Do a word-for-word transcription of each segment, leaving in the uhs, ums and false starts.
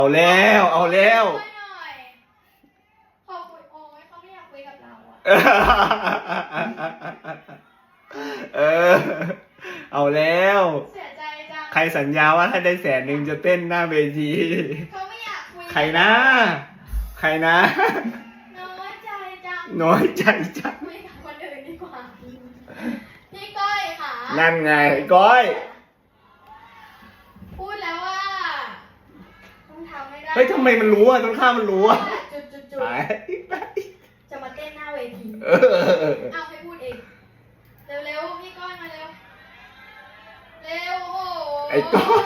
เอาแล้วเอาแล้วช่วยหน่อยเขาคุยโอ้ยเขาไม่อยากคุยกับเราอะเออเอาแล้วเสียใจจังใครสัญญาว่าถ้าได้แสนหนึ่งจะเต้นหน้าเวทีเขาไม่อยากคุยใครนะ ใครนะน้อยใจจังน้อยใจจังคุยกับคนอื่นดีกว่าพี่ก้อยค่ะนั่นไงก้อยพูดแล้วว่าต้องทำไม่ได้เฮ้ยทำไมมันรู้อ่ะต้นข้าวมันรู้อ่ะจุดจุดจุดไปไปจะมาเต้นหน้าเวทีเออเอาให้พูดเองเร็วๆพี่ก้อยมาเร็วเร็วโอ้โหไอ้ก้อย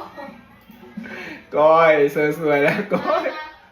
ก้อยสวยๆแล้วก้อย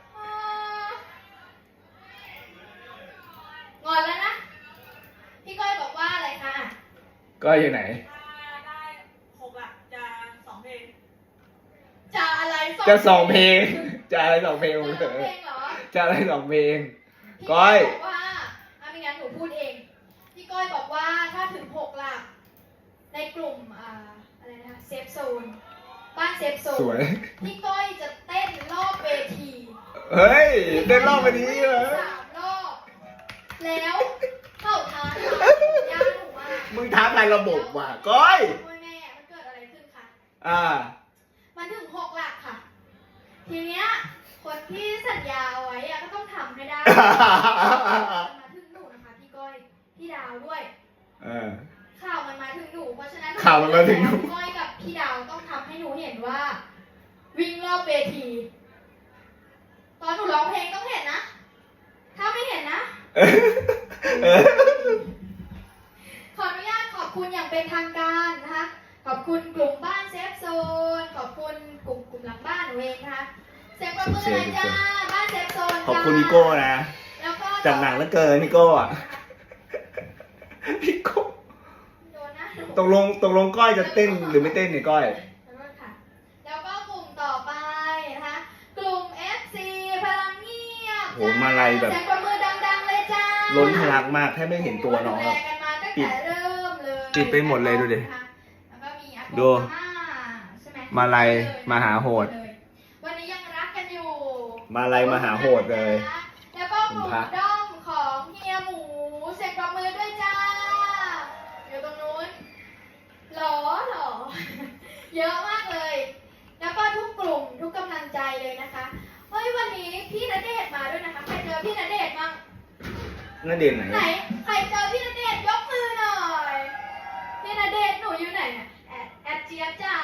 งอนแล้วนะพี่ก้อยบอกว่าอะไรคะก้อยอยู่ไหนได้หกหลักจะสองเพลงจะอะไรจะสองเพลงจะอะไรสองเพลงจะของสเธองอเพลงเหรอจะอะไรสองเพลงพี่ก้อยบอกว่าถ้าไม่งั้นหนูพูดเองพี่ก้อยบอกว่าถ้าถึงหกหลักในกลุ่มอ่าอะไรนะเซฟโซนบ้านเซฟโซนสวยพี่ก้อยจะเต้นรอบเวทีเฮ้ยเต้นรอบไปนี้เหรอสามรอบแล้วเข้าทางย่าหนูว่ามึงท้าทายระบบว่ะก้อยโอ้ยแม่มันเกิดอะไรขึ้นคะอ่ามันถึงหกหลักค่ะ ทีเนี้ยคนที่สัญญาเอาไว้อะก็ต้องทำให้ได้ มาถึงหนูนะคะพี่ก้อยพี่ดาวด้วยเออข่าวมันมาถึงหนูเพราะฉะนั้นข่าวมันมาถึงหนูพี่ก้อยกับพี่ดาวต้องทำให้หนูเห็นว่า วิ่งรอบเวที ตอนหนูร้องเพลงต้องเห็นนะ ถ้าไม่เห็นนะเออขออนุญาตขอบคุณอย่างเป็นทางการนะคะ ขอบคุณกลุ่มบ้านเซฟโซน ขอบคุณกลุ่มกลุ่มหลังบ้านหนูเองนะคะเซฟประมือเลยจ้า บ้านเซฟโซนขอบคุณพี่โก้นะแล้วก็จัดหนังแล้วเกินพี่โก้อะพี่โก้โดนนะหนูตกลงตกลงก้อยจะเต้นหรือไม่เต้นเนี่ยก้อยขอโทษค่ะแล้วก็กลุ่มต่อไปนะคะ กลุ่ม เอฟ ซี พลังเงียบโหมาลัยแบบเซฟประมือดังๆเลยจ้าล้นทะลักมากแทบไม่เห็นตัวน้องดูอะแลกันมาตั้งแต่เริ่มเลยปิดไปหมดเลยดูดิแล้วก็มีอากูดูอาม่าใช่ไหมมาลัยมหาโหดวันนี้ยังรักกันอยู่มาลัยมหาโหดเลยแล้วก็กลุ่มด้อมของเฮียหมูเซ็นประมือด้วยจ้า อยู่ตรงนู้นหล่อหล่อ เยอะมากเลย แล้วก็ทุกกลุ่มทุกกำลังใจเลยนะคะ เฮ้ยวันนี้พี่ณเดชน์มาด้วยนะคะ ใครเจอพี่ณเดชน์บ้างนั่นเด่นไหนไหน ใครเจอพี่ณเดชน์ยกมือหน่อย พี่ณเดชน์หนูอยู่ไหนเนี่ยแอดแอดเจี๊ยบจ๋า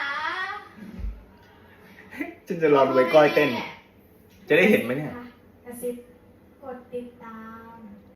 ฉันจะรอดูไอ้ก้อยเต้น จะได้เห็นไหมเนี่ยกระซิบ